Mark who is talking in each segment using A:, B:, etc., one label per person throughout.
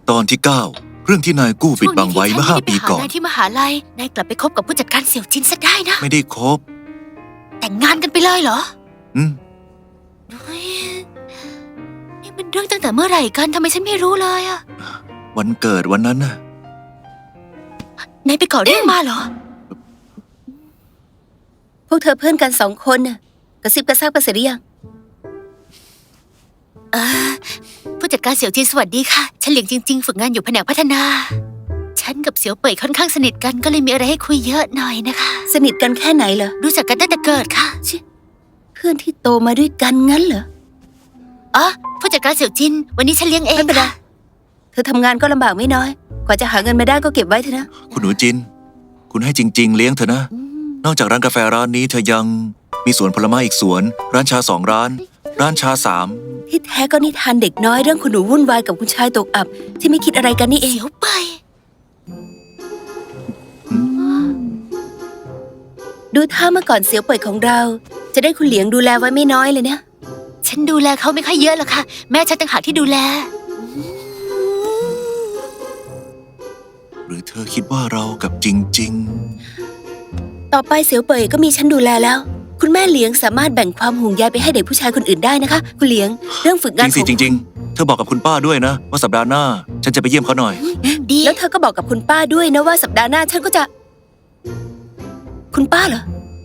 A: ตอนที่ 9 เรื่องที่นายกู้ปิดบังไว้เมื่อ5 ปีก่อน
B: นายที่มหาลัยนายกลับไปคบกับผู้จัดการเสี่ยวจินซะได้นะ
A: ไม่ได้คบ
B: แต่งงานกันไปเลยเหรอ
A: อืม
B: เฮ้ยนี่มันเรื่องตั้งแต่เมื่อไหร่กันทำไมฉันไม่รู้เลยอะ
A: วันเกิดวันนั้นน่ะ
B: นายไปก่อเรื่องมาเหรอ
C: พวกเธอเพื่อนกัน2 คนน่ะกระซิบกระซาบกันเสร็จหรือยัง
B: ผู้จัดการเสี่ยวจินสวัสดีค่ะฉันเหลียงจริงๆฝึกงานอยู่แผนกพัฒนาฉันกับเสี่ยวเป่ยค่อนข้างสนิทกันก็เลยมีอะไรให้คุยเยอะหน่อยนะคะ
C: สนิทกันแค่ไหนเหรอ
B: รู้จักกันตั้งแต่เกิดค่ะ
C: เพื่อนที่โตมาด้วยกันงั้นเหรอ
B: อ๋อผู้จัดการเสี่ยวจินวันนี้ฉันเลี้ยงเอง
C: ไม่เป็นไร
B: ค่ะ
C: เธอทำงานก็ลำบากไม่น้อย กว่าจะหาเงินมาได้ก็เก็บไว้เถอะนะ
A: คุณหนูจิน คุณให้จริง ๆ เลี้ยงเธอนะ นอกจากร้านกาแฟร้านนี้เธอยังมีสวนผลไม้อีกสวน ร้านชา2 ร้าน ร้านชา3
C: ที่แท้ก็นิทานเด็กน้อยเรื่องคุณหนูวุ่นวายกับคุณชายตกอับ ที่ไม่คิดอะไรกันนี่เอง
B: เสี่ยวเป่ย
C: ดูท่าเมื่อก่อนเสียวเปิดของเรา จะได้คุณเหลียงดูแลไว้ไม่น้อยเลยนะ
B: ฉันดูแลเขาไม่ค่อยเยอะหรอกค่ะแม่ฉันต่างหากที่ดูแล
A: หรือเธอคิดว่าเรากับจริง
C: ต่อไปเสียวเป่ยก็มีฉันดูแลแล้ว คุณแม่เหลียงสามารถแบ่งความห่วงใยไปให้เด็กผู้ชายคนอื่นได้นะคะ คุณเหลียงเรื่องฝึก
A: ๆ
C: งาน
A: จริงๆเธอบอกกับคุณป้าด้วยนะ ว่าสัปดาห์หน้า ฉันจะไปเยี่ยมเขาหน่อย
B: ดี
C: แล้วเธอก็บอกกับคุณป้าด้วยนะว่าสัปดาห์หน้าฉันก็จะ คุณป้าเหรอ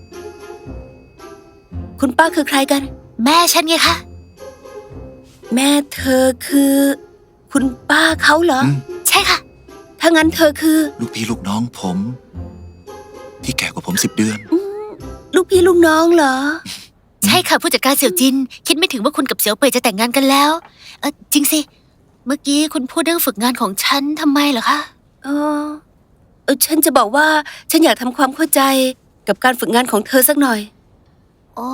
C: คุณป้าคือใครกัน
B: แม่ฉันไงคะ
C: แม่เธอคือ คุณป้าเขาเหรอ
A: อืม
B: ใช่ค่ะ
C: ถ้างั้นเธอคือ
A: ลูกพี่ลูกน้องผม ที่แก่กว่าผม10 เดือน
C: ลูกพี่ลูกน้องเหรอ
B: ใช่ค่ะผู้จัดการเสี่ยวจิน คิดไม่ถึงว่าคุณกับเสี่ยวเป่ยจะแต่งงานกันแล้วจริงสิเมื่อกี้คุณพูดเรื่องฝึกงานของฉันทำไมเหรอคะ
C: ฉันจะบอกว่าฉันอยากทำความเข้าใจกับการฝึกงานของเธอสักหน่อย
B: อ๋อ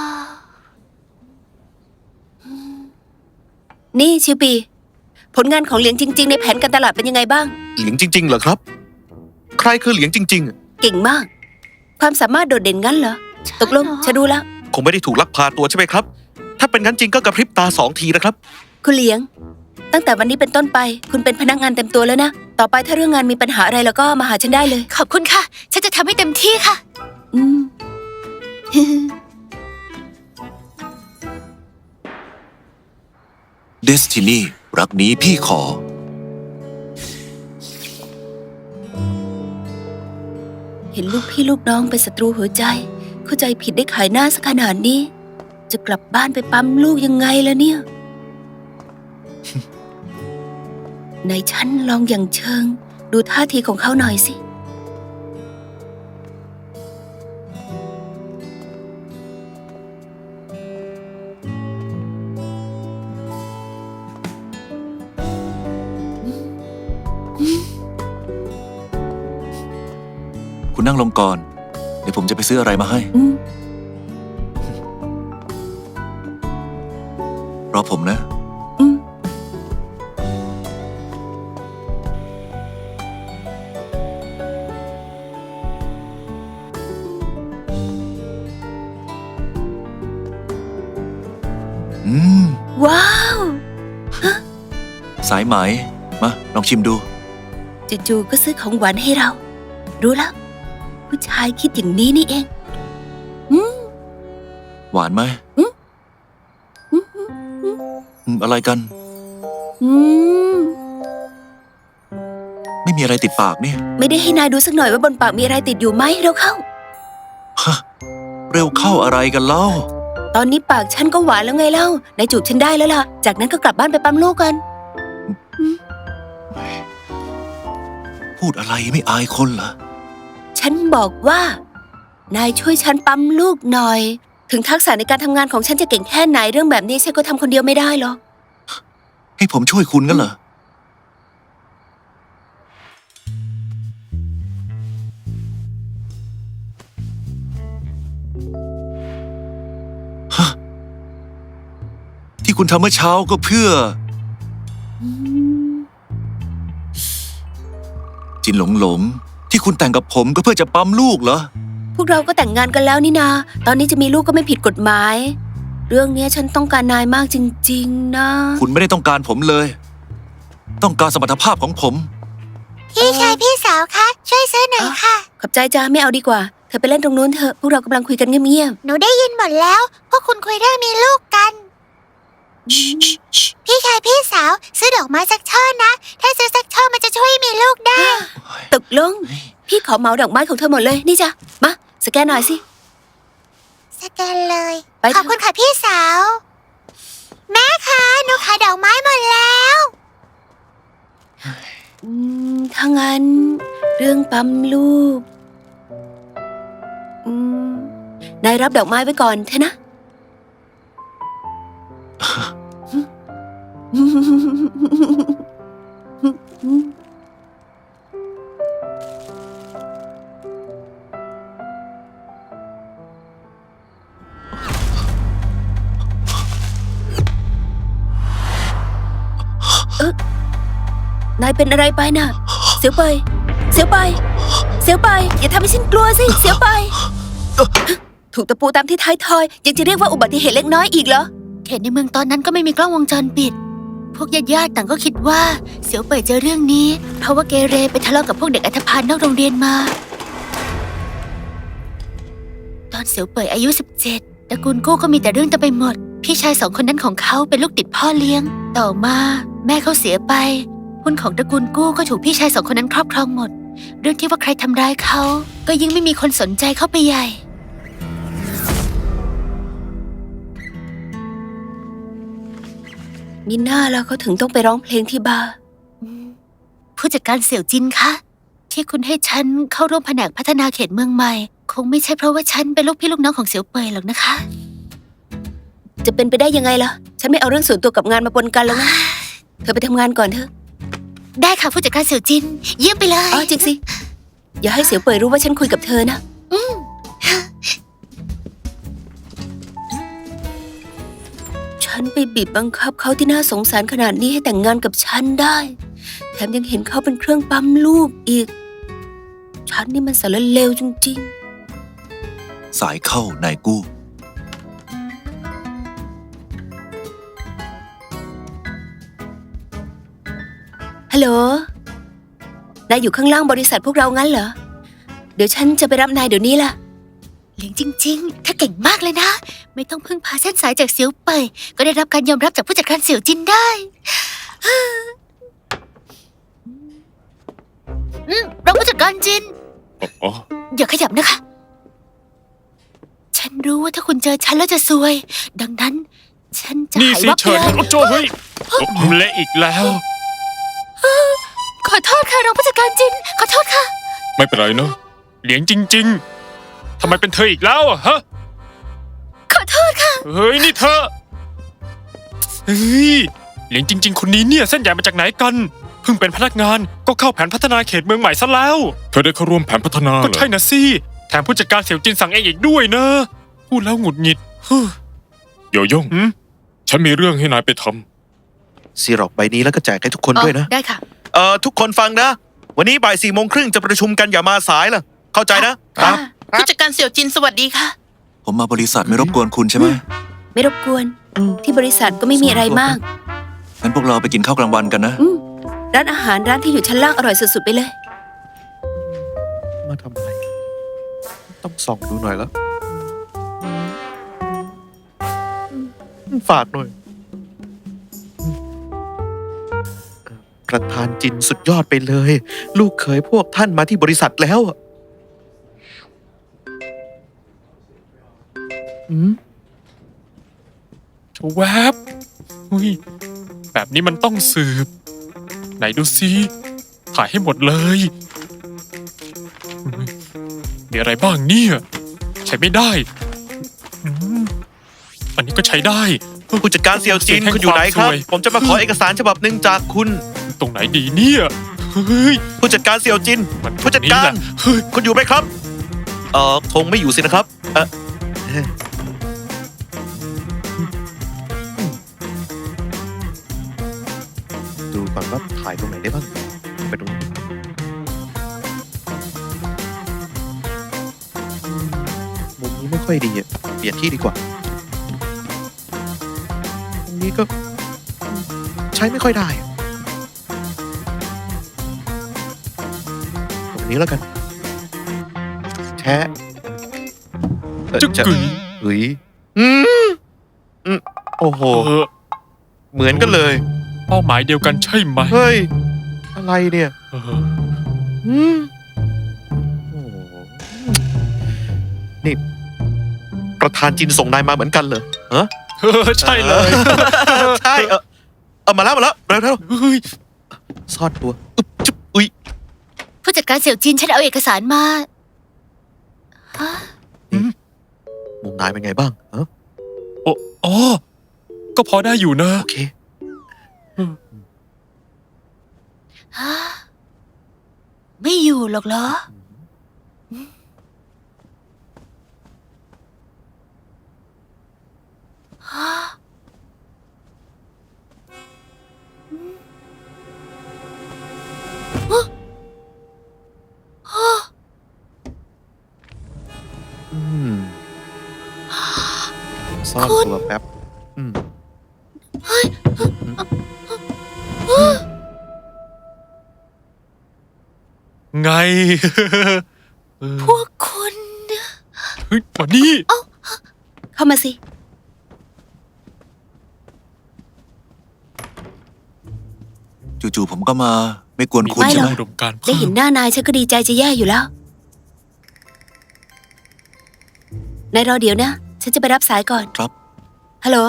C: นี่ชิวปี ผลงานของเหลียงจริง ๆ ในแผนการตลาดเป็นยังไงบ้าง
D: เหลียงจริงๆเหรอครับ ใครคือเหลียงจริงๆ
C: เก่งมาก ความสามารถโดดเด่นงั้นเหรอ ตกลงฉันรู้แล้ว
D: คงไม่ได้ถูกลักพาตัวใช่ไหมครับ ถ้าเป็นงั้นจริงก็กระพริบตา2 ทีนะครับ
C: คุณเหลียง ตั้งแต่วันนี้เป็นต้นไป คุณเป็นพนักงานเต็มตัวแล้วนะ ต่อไปถ้าเรื่องงานมีปัญหาอะไรแล้วก็มาหาฉันได้เลย
B: ขอบคุณค่ะ ฉันจะทำให้เต็มที่ค่ะ
C: อืม
A: Destiny รักนี้พี่ขอ
C: เห็นลูกพี่ลูกน้องเป็นศัตรูหัวใจ เข้าใจผิดได้ขายหน้าสักขนาดนี้ จะกลับบ้านไปปั๊มลูกยังไงล่ะเนี่ย ในฉันลองอย่างเชิง ดูท่าทีของเขาหน่อยสิ
A: คุณนั่งลงก่อน เดี๋ยวผมจะไปซื้ออะไรมาให้
C: อืม
A: รอผมนะ
C: อืม
A: อืม
C: ว้าว
A: สายไหม มา ลองชิมดู
C: จู่ๆก็ซื้อของหวานให้เรา รู้แล้ว ผู้ชายคิดอย่างนี้นี่เอง
A: หวานไหม
C: อืม
A: อะไรกัน
C: อืม
A: ไม่มีอะไรติดปากนี่
C: ไม่ได้ให้นายดูสักหน่อยว่าบนปากมีอะไรติดอยู่ไหมเราเข้า
A: ฮะ เร็วเข้าอะไรกันเล่า
C: ตอนนี้ปากฉันก็หวานแล้วไงเล่านายจูบฉันได้แล้วล่ะ จากนั้นก็กลับบ้านไปปั๊มลูกกัน
A: พูดอะไรไม่อายคนเหรอ
C: ฉันบอกว่า นายช่วยฉันปั๊มลูกหน่อย ถึงทักษะในการทำงานของฉันจะเก่งแค่ไหนเรื่องแบบนี้ฉันก็ทำคนเดียวไม่ได้หรอก
A: ให้ผมช่วยคุณกันเหรอ ฮะ ที่คุณทำเมื่อเช้าก็เพื่อ จินหลง ที่คุณแต่งกับผมก็เพื่อจะปั๊มลูกเหรอ
C: พวกเราก็แต่งงานกันแล้วนี่นา ตอนนี้จะมีลูกก็ไม่ผิดกฎหมาย เรื่องนี้ฉันต้องการนายมากจริงๆนะ
A: คุณไม่ได้ต้องการผมเลยต้องการสมรรถภาพของผม
B: พี่ชายพี่สาวคะช่วยซื้อหน่อยค่ะ
C: ขอบใจจ้าไม่เอาดีกว่า เธอไปเล่นตรงนู้นเถอะ พวกเรากำลังคุยกันเงียบ
B: หนูได้ยินหมดแล้ว พวกคุณคุยเรื่องมีลูกกัน พี่ชายพี่สาวซื้อดอกไม้สักช่อนะ ถ้าซื้อสักช่อมันจะช่วยให้มีลูกได้
C: ๆตกลง พี่ขอเหมาดอกไม้ของเธอหมดเลย นี่จ้ะ มาสแกนหน่อยสิ
B: สแกนเลย
C: ไปเถอะ
B: ขอบคุณค่ะพี่สาว แม่คะหนูขายดอกไม้หมดแล้ว
C: ถ้างั้น เรื่องปั๊มลูก นายรับดอกไม้ไว้ก่อนเถอะนะ นายเป็นอะไรไปน่ะ เสียวไปยเสียวไปยเสียวไปยอย่าทำให้ฉันกลัวสิ เสียวไปยถูกตะปูตามที่ท้ายทอย ยังจะเรียกว่าอุบัติเหตุเล็กน้อยอีกเหรอ
B: เขตในเมืองตอนนั้นก็ไม่มีกล้องวงจรปิด พวกญาติๆต่างก็คิดว่าเสี่ยวเป่ยเจอเรื่องนี้ เพราะว่าเกเรไปทะเลาะกับพวกเด็กอันธพาลนอกโรงเรียนมา ตอนเสี่ยวเป่ยอายุ 17ตระกูลกู้ก็มีแต่เรื่องเต็มไปหมด พี่ชาย2 คนนั้นของเขาเป็นลูกติดพ่อเลี้ยง ต่อมาแม่เขาเสียไป หุ้นของตระกูลกู้ก็ถูกพี่ชาย2 คนนั้นครอบครองหมด เรื่องที่ว่าใครทำร้ายเขาก็ยิ่งไม่มีคนสนใจเข้าไปใหญ่
C: มีหน้าแล้วเขาถึงต้องไปร้องเพลงที่บาร์
B: ผู้จัดการเสี่ยวจินคะ ที่คุณให้ฉันเข้าร่วมแผนกพัฒนาเขตเมืองใหม่ คงไม่ใช่เพราะว่าฉันเป็นลูกพี่ลูกน้องของเสี่ยวเป่ยหรอกนะคะ
C: จะเป็นไปได้ยังไงล่ะ ฉันไม่เอาเรื่องส่วนตัวกับงานมาปนกันแล้วนะ เธอไปทำงานก่อนเถอะ
B: ได้ค่ะผู้จัดการเสี่ยวจิน เยี่ยมไปเลย
C: อ๋อจริงสิ อย่าให้เสียวเป่ยรู้ว่าฉันคุยกับเธอนะ ฉันไปบีบบังคับเขาที่น่าสงสารขนาดนี้ให้แต่งงานกับฉันได้ แถมยังเห็นเขาเป็นเครื่องปั๊มลูกอีก ฉันนี่มันสารเลวจริง
A: สายเข้านายกู้
C: ๆ ฮัลโหล นายอยู่ข้างล่างบริษัทพวกเรางั้นเหรอ เดี๋ยวฉันจะไปรับนายเดี๋ยวนี้ล่ะ
B: เหลียงจริงๆ ถ้าเก่งมากเลยนะ ไม่ต้องพึ่งพาเส้นสายจากเสี่ยวเป่ยก็ได้รับการยอมรับจากผู้จัดการเสี่ยวจินได้รองผู้จัดการจิน
E: อ๋อ
B: อย่าขยับนะคะ ฉันรู้ว่าถ้าคุณเจอฉันแล้วจะซวย ดังนั้น ฉันจะ
E: นี่
B: หาย
E: สิ
B: วับ
E: เฉิ
B: เล
E: น
B: ย
E: โอ้โจเฮ้ยเละอีกแล้ว
B: ขอโทษค่ะรองผู้จัดการจิน ขอโทษค่ะ
E: ไม่เป็นไรเนอะเหลียงจริง ๆทำไมเป็นเธออีกแล้วอะฮะ
B: ขอโทษค่ะ
E: เฮ้ยนี่เธอเฮ้ยเหลียงจริง ๆ คนนี้เนี่ยเส้นใหญ่มาจากไหนกัน เพิ่งเป็นพนักงานก็เข้าแผนพัฒนาเขตเมืองใหม่ซะแล้ว
F: เธอได้เข้าร่วมแผนพัฒนา
E: ก็
F: เหรอ
E: ใช่นะสิแถมผู้จัดการเสี่ยวจินสั่งเองอีกด้วยนะพูดแล้วหงุดหงิดฮึ่ม
F: โยโย่ง
E: หืม
F: ฉันมีเรื่องให้นายไปทำ
D: ซีร็อกใบนี้แล้วก็แจกให้ทุกคนด้วยนะ
B: ได้ค่ะ
D: ทุกคนฟังนะ วันนี้บ่าย4:30จะประชุมกันอย่ามาสายล่ะ เข้าใจนะ
B: ค่ะ
G: ผู้จัดการเสี่ยวจินสวัสดีค่ะ
A: ผมมาบริษัทไม่รบกวนคุณใช่ไหม
C: ไม่รบกวน ที่บริษัทก็ไม่มีอะไรมาก
A: งั้นพวกเราไปกินข้าวกลางวันกันนะ
C: ร้านอาหารร้านที่อยู่ชั้นล่างอร่อยสุดๆไปเลย
D: มาทำอะไร ต้องส่องดูหน่อยแล้ว ฝากหน่อย ประธานจินสุดยอดไปเลย ลูกเคยพวกท่านมาที่บริษัทแล้วอะอืม
E: โชแวบอุ้ยแบบนี้มันต้องสืบ ไหนดูซิถ่ายให้หมดเลยอุ๊ยมีอะไรบ้างเนี่ย ใช้ไม่ได้อืมอันนี้ก็ใช้ได้
D: ผู้จัดการเซียวจิน
E: แห่ง
D: คุณอยู่ไหนครับ
E: วามซวย
D: ผมจะมาขอเอกสารฉบับหนึ่งจากคุณ
E: ตรงไหนดีเนี่ยเฮ้ย
D: ผู้จัดการเซียวจิน
E: มัน
D: ผู้จัดการ
E: ตงนี้แหละเฮ้ย
D: คุณอยู่ไหมครับ คงไม่อยู่สินะครับ ดูก่อนว่าถ่ายตรงไหนได้บ้าง ไปตรงนี้มุมนี้ไม่ค่อยดีอ่ะ เปลี่ยนที่ดีกว่า ตรงนี้ก็ใช้ไม่ค่อยได้อะนี้แล้วกัน แชะ
E: จะกึ๋ย
D: เฮ้ยโอ้โห เหมือนกันเลย
E: เป้าหมายเดียวกันใช่ไหม
D: เฮ้ย อะไรเนี่ย
E: เออ
D: โอ้โหนี่ ประธานจินส่งนายมาเหมือนกันเลยฮะ
E: ใช่เลย
D: ใช่มาแล้วเร็ว
E: เฮ้ย
D: ซ่อนตัวอึ๊บจุ๊บอุ้ย
B: ผู้จัดการเสี่ยวจินฉันเอาเอกสารมาฮะ
D: มุมนายเป็นไงบ้างฮะ
E: อ๋อ ก็พอได้อยู่นะ
D: โอเค
B: ฮะไม่อยู่หรอกเหรอฮะ
D: อืมซ่อนตัวแป๊บ
E: ไง
B: พวกคุณ
E: เฮ้ยมานี่
C: เข้ามาสิ
A: จู่ๆผมก็มาไม่กวนคุณ
C: ไม่
A: ใช่
C: หร
A: ไห
C: อ
A: ม
C: ก
E: อุดมการณ์
C: ได้เห็นหน้านายฉันก็ดีใจจะแย่อยู่แล้ว นายรอเดี๋ยวนะ ฉันจะไปรับสายก่อน
A: ครับ
C: ฮัลโหล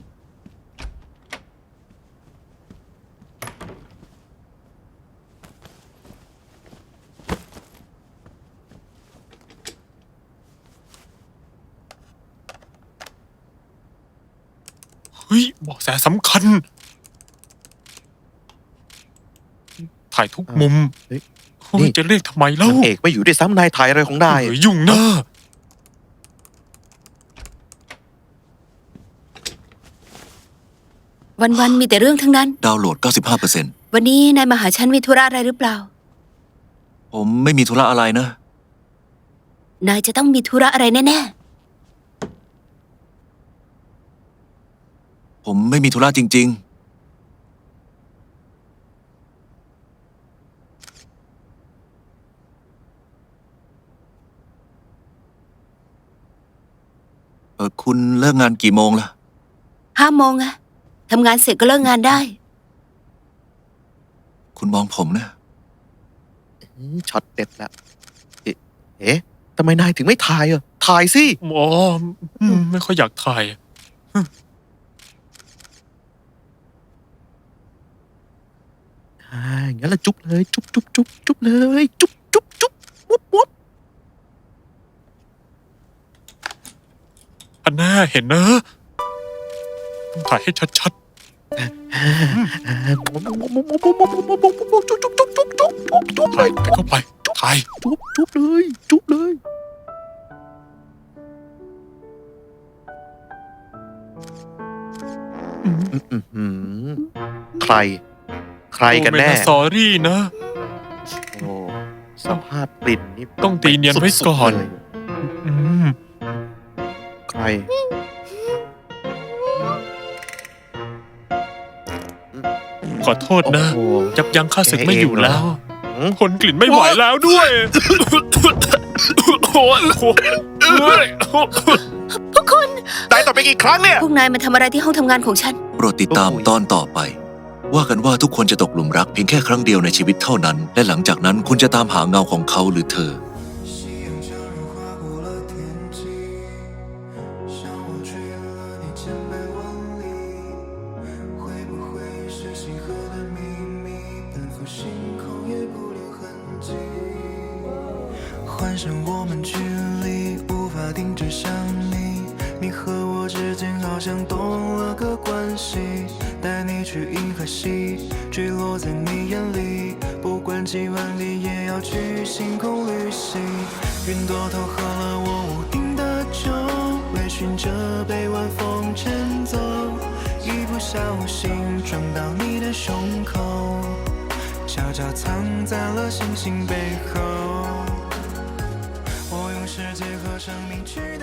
E: เฮ้ยเบอกแสสำคัญ ถ่ายทุกมุม
D: เฮ้ย
E: เฮ้ยจะเรียกทำไมเล่าน
D: างเอกไม่อยู่ด้วยซ้ำนายถ่ายอะไรของนาย
E: เฮ้ยยุ่งนะ
C: วันๆมีแต่เรื่องทั้งนั้น
A: ดาวน์โหลด 95%
C: วันนี้นายมาหาฉันมีธุระอะไรหรือเปล่า
A: ผมไม่มีธุระอะไรนะ
C: นายจะต้องมีธุระอะไรแน่
A: ผมไม่มีธุระจริง ๆ คุณเลิกงานกี่โมงล่ะ
C: ๆ5 โมงอะทำงานเสร็จก็เลิกงานได้
A: คุณมองผมนะ
D: ช็อตเด็ดแล้วเอ๊ะทำไมนายถึงไม่ถ่ายถ่ายสิ
E: อ๋อไม่ค่อยอยากถ่าย
D: งั้นละจุ๊บเลย จุ๊บเลย จุ๊บมุบ
E: อันน่าเห็นนะ ต้องถ่ายให้ชัด
D: จุ๊บ
E: ๆ ถ่ายเข้าไป ถ่าย
D: จุ๊บเลย ใครกันแน่
E: สอรี่นะ
D: โอ้สภาพกลิ่นนี่
E: ต้องตีเนียนไว้ก่อน
D: สุดๆเลย
E: อืม
D: ใคร
E: ขอโทษนะ
D: โอ้โห
E: ยับยั้งข้าศึกไม่อยู่แล้ว
D: หืม
E: ทนกลิ่นไม่ไหวแล้วด้วยโอ้ย
B: พวกคุณ
D: นายต่อไปกี่ครั้งเนี่ย
C: พวกนายมาทำอะไรที่ห้องทำงานของฉัน
A: โปรดติดตามตอนต่อไป ว่ากันว่าทุกคนจะตกหลุมรักเพียงแค่ครั้งเดียวในชีวิตเท่านั้น และหลังจากนั้นคุณจะตามหาเงาของเขาหรือเธอ
H: 夕阳像人划过了天际，像我追了你千百万里，会不会是星河的秘密？奔赴星空也不留痕迹，幻想我们距离无法停止想你，你和我之间好像多了个关系，带你去银河系，坠落在你眼里，不管几万里也要去星空旅行。云朵投合了我屋顶的酒，微醺着被晚风牵走，一不小心撞到你的胸口，悄悄藏在了星星背后。我用世界和生命去。